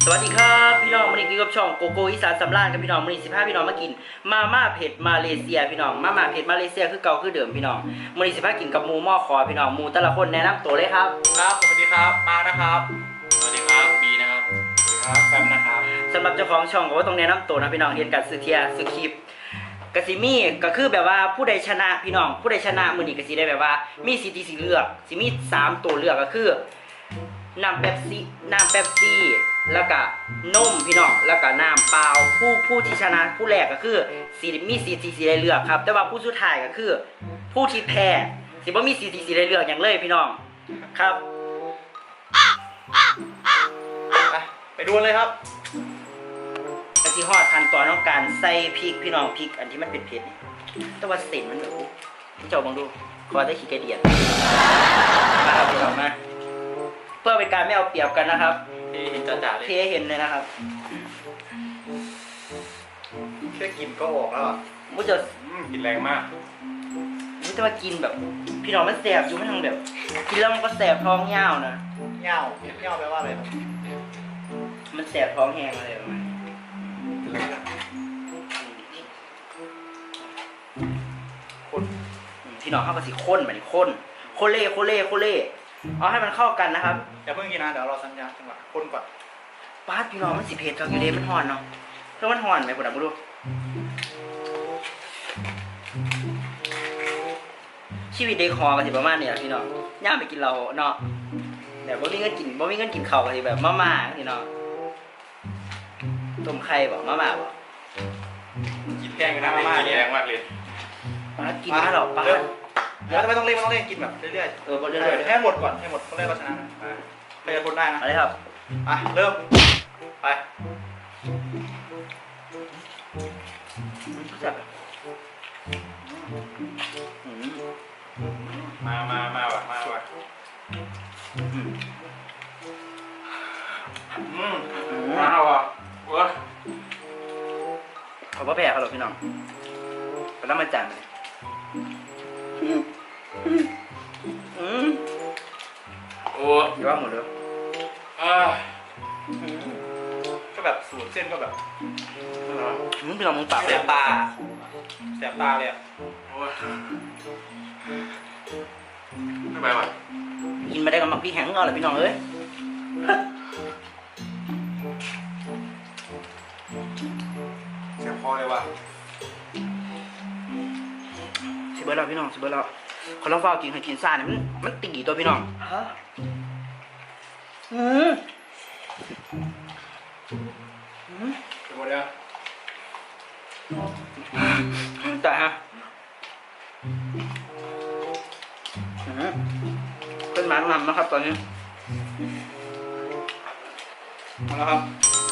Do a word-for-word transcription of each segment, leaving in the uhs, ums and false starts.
สวัสดีครับพี่น้องวันนี้กินกับช่องโกโก้อีสานสำราญกับพี่น้องวันนี้สิบห้าพี่น้องมากินมาม่าเผ็ดมาเลเซียพี่น้องมาม่าเผ็ดมาเลเซียคือเก่าคือเดิมพี่น้องวันนี้สิบห้ากินกับหมูหม้อคอพี่น้องหมูแต่ละคนแนะนำตัวเลยครับครับสวัสดีครับมานะครับสวัสดีครับบีนะครับสวัสดีครับแฟมนะครับสำหรับเจ้าของช่องก็ว่าต้องแนะนำตัวนะพี่น้องเห็นกันสุดเทียสุดคลิปกสิมีก็คือแบบว่าผู้ใดชนะพี่น้องผู้ใดชนะมือนี้ก็สิได้แบบว่ามีสิทธิสิเลือกสิมีสามตัวเลือกก็คือน้ำเป๊ปซี่น้ำเป๊ปซี่แล้วก็นมพี่น้องแล้วก็น้ำเปล่าผู้ผู้ที่ชนะผู้แรกก็คือสีมีสีสีสีได้เลือกครับแต่ว่าผู้สุดท้ายก็คือผู้ที่แพ้สิบ่มีสีสีสีได้เลือกอย่างเลยพี่น้องครับไปดูเลยครับกะทิฮอดขั้นตอนของการใส่พริกพี่น้องพริกอันที่มันเป็นเผ็ดนี่แต่ว่าเส้นมันแบบพี่เจ้าบังดูขอได้ขี้กระเดียดมาครับพี่น้องมาเพื่อเป็นการไม่เอาเปรียบกันนะครับเห็นจ่าๆเลยเทเห็นเลยนะครับแค่กินก็ออกแล้วอ่ะมุจะกินแรงมากมุจะมากินแบบพี่น้องมันแสบอยู่ไม่ทางแบบกินแล้วมันก็แสบท้องเย่านะเย่าเย่าแปลว่าอะไรครับมันแสบท้องแห้งอะไรประมาณคนพี่น้องเข้ากับสีข้นแบบนี้ข้นโคเล่โคเล่โคเล่เอาให้มันเข้ากันนะครับอย่าเพิ่งกินนะเดี๋ยวเราสัญญาจังหวะคนก่อนป้าพี่น้องมันสีเผ็ดอยู่ดีมันห่อนเนาะเพราะมันห่อนไหมผมดับดูชีวิตเด็กคอกันสิประมาณนี้แหละพี่น้องย่าไปกินเราเนาะแบบบ่มีเงินกินบ่มีเงินกินข้าวกันสิแบบมาม่าพี่น้องต้มไข่บอกมาม่าบอกกินแพงกันนะมาม่าเนี่ยแรงมากเลยป้ากินมาหรอป้าเดี๋ยวไม่ต้องเล่นไม่ต้องเล่นกินแบบเรื่อยๆเออเรื่อยๆให้หมดก่อนให้หมดต้องเล่นก็ชนะนะใครจะทนได้นะอะไรครับอ่ะเริ่มไปมามามาว่ะมาว่ะอืมมาว่ะเว้ยเขาบ่แพ้เขาหรอกพี่น้องไปแล้วมาจันเลยอืมโอ้ยว่าหมดเลยอ่าก็แบบสูตรเส้นก็แบบมึงพี่น้องมึงปากแสบตาแสบตาเลยอ่ะโอ้ยไม่ไปว่ะกินมาได้กับมักพี่แห้งเอาเลยพี่น้องเอ้ยแสบคอเลยว่ะสิเบิร์ดเราพี่น้องสิเบิร์ดเราคนเราเฝ้ากินให้กินซ่าเนี่ยมันมันตีตัวพี่น้องฮะอืมอืมหมดแล้วแต่ฮะขึ้นมาหนำนะครับตอนนี้มาแล้วครับ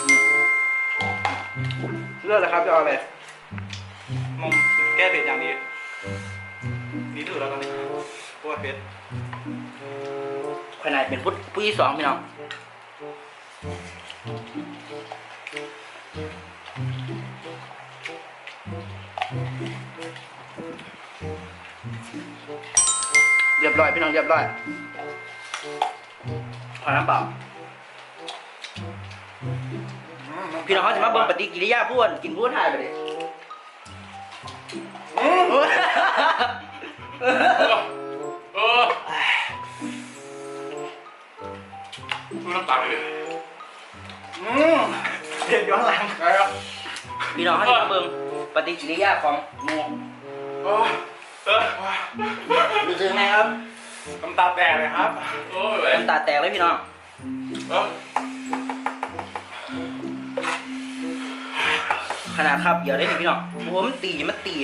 เลือกเลยครับจะเอาอะไรมองแก้เผ็ดอย่างนี้นี่ถือแล้วตอนนี้พวกเผ็ดขนาดเป็นผู้ผู้ที่สองพี่น้องเรียบร้อยพี่น้องเรียบร้อยขอน้ำเปล่าพี่น้องเขาจะมาเบิ่งปฏิกิริยาพูดกินพูดถ่ายไปดิเออดูน้ำตาเลยอืมเผ็ดย้อนหลังไปอ่ะพี่น้องเขาจะมาเบิ่งปฏิกิริยาของหมูเออเออรู้สึกไงครับน้ำตาแตกเลยครับโอ้ยน้ำตาแตกเลยพี่น้องขนาดครับเดี๋ยวได้หนิพี่น้องโอ้มันตีมันตี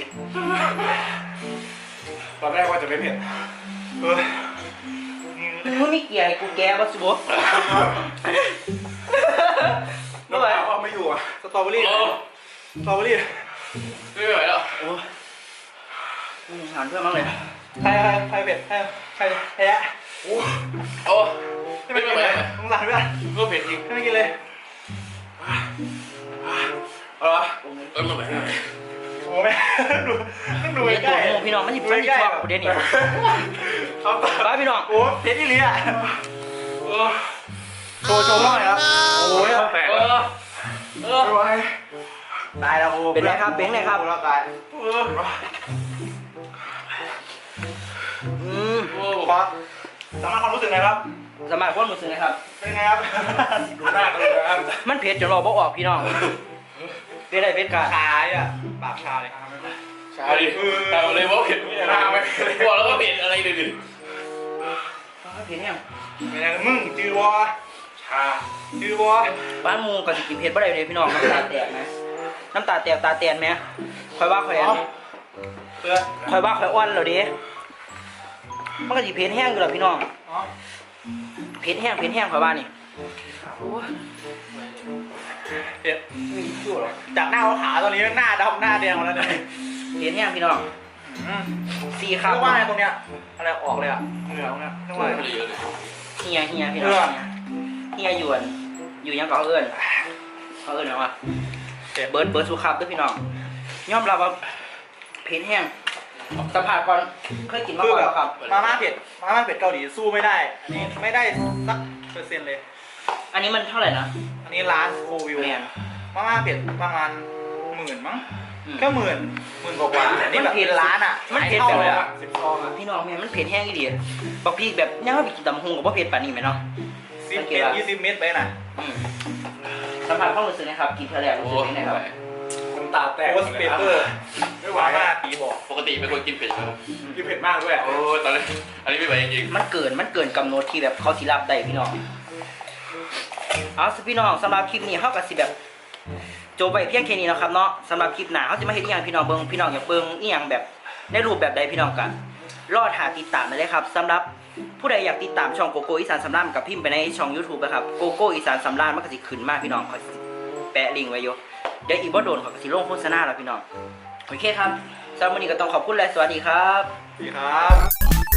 ตอนแรกว่าจะไม่เผ็ดเออมึงไม่เกี่ยกูแกวัสดุน้ำตาเอาไม่อยู่อ่ะสตรอเบอรี่สตรอเบอรี่ไม่ไหวแล้วโอ้หานเพื่อนมั้งเลยใครใครเผ็ดใครใครแพ้โอ้โอ้ไม่เป็นไรต้องหลังด้วยก็เผ็ดอีกไม่กินเลยเออเออมาแบบโอ้แม่ดูดูใกล้พี่น้องไม่หยิบฟันหยิบชอบกูเด่นนี่ครับบ้าพี่น้องโอ้เผ็ดอีหลีอ่ะโชว์โชว์หน่อยครับโอ้ยแปลกเออเออโอ้ยตายแล้วโอ้เป็นไงครับเป็นไงครับแล้วตายอืมโอ้บอสสามารถความรู้สึกไงครับสมัครคนมือซื้อนะครับเป็นไงครับดูหน้ากันเลยครับมันเผ็ดจนเราบ่ออกพี่น้องเป็นไรเป็นการชาอ่ะปากชาเลยครับใช่แต่เลยว่าเห็นหน้าไหมกลัวแล้วก็เห็นอะไรดึกเผ็ดแห้งเป็นไงมึงจือวะๆชาจือวะบ้านหมูกับสิกินเผ็ดบ่ได้เลยพี่น้องน้ำตาแตกไหมน้ำตาแตกตาแตนไหมคอยว่าคอยอันนี้เพื่อนคอยว่าคอยอ้วนแล้วดิมันก็สิเผ็ดแห้งอยู่แล้วพี่น้องอ๋อเผ็ดแห้งเผ็ดแห้งคอยว่านี่เผ็ดจากหน้าขาวตอนนี้หน้าดำหน้าแดงหมดแล้วเนี่ยเผ็ดแห้งพี่น้องอืมสี่เรีคำยกว่าอะไรตรงเนี้ยอะไรออกเลยอ่ะเหงื่อตรงเนี้ยเรียกว่าอะไรเยอะเลยเฮียเฮียพี่น้องเฮียเฮียหยวนอยู่ยังก็เขาเอิ้นเขาเอิ้นหยังวะเบิร์ดเบิร์ดสุขับด้วยพี่น้องยอมรับว่าเผ็ดแห้งสัมผัสก่อนเคยกินมาคือก่อนแบบแล้วครับมาม่าเผ็ดมาม่าเผ็ดเกาหลีสู้ไม่ได้อันนี้ไม่ได้สักเปอร์เซ็นต์เลยอันนี้มันเท่าไหร่นะอันนี้ร้านโควิวแมนมาม่าเผ็ดประมาณหมื่นมั้งอืมแค่หมื่นหมื่นกว่าๆอันนี้แบบเป็นร้านอ่ะมันเผ็ดขายแบบท่าเลยว่าอ่ะสิบซองอ่ะพี่น้องแม่มันเผ็ดแห้งอีดีบอกพี่แบบยังไม่ไปกินตำฮงกับว่าเผ็ดป่านนี้ไหมเนาะสิบเมตรยี่สิบเมตรไปน่ะอืมสัมผัสความรู้สึกนะครับกินเท่าไหร่รู้โอ้สึกยังไงครับน้ำตาแตกโพสเปเปอร์ไม่ไหวอ่ะปีบอกปกติเป็นคนกินเผ็ดไหมกินเผ็ดมากด้วยโอ้ตอนนี้อันนี้ไม่ไหวจริงมันเกินมันเกินกำหนดที่แบบเขาสิรับได้พี่น้องเอาสิพี่น้องสำหรับคลิปนี้เขากับสิแบบโจบไปเพียงแค่นี้นะครับเนาะสำหรับคลิปหน้าเขาจะมาเห็นอหย่างพี่น้องเบิ้งพี่น้องอยากเบิ้งอีหยังแบบในรูปแบบใดพี่น้องกันรอดหาติดตามมาเลยครับสำหรับผู้ใดอยากติดตามช่องโกโก้อีสานสำรานกับพิมพ์ไปในช่อง YouTube นะครับโกโก้อีสานสำรานมันก็สิขึ้นมากพี่น้องเขาสิแปะลิงก์ไว้อยู่เดี๋ยวอีกบ่โดนเขาก็สิลงโฆษณาแล้วพี่น้องโอเคครับสำหรับวันนี้ก็ต้องขอบคุณและสวัสดีครับดีครับ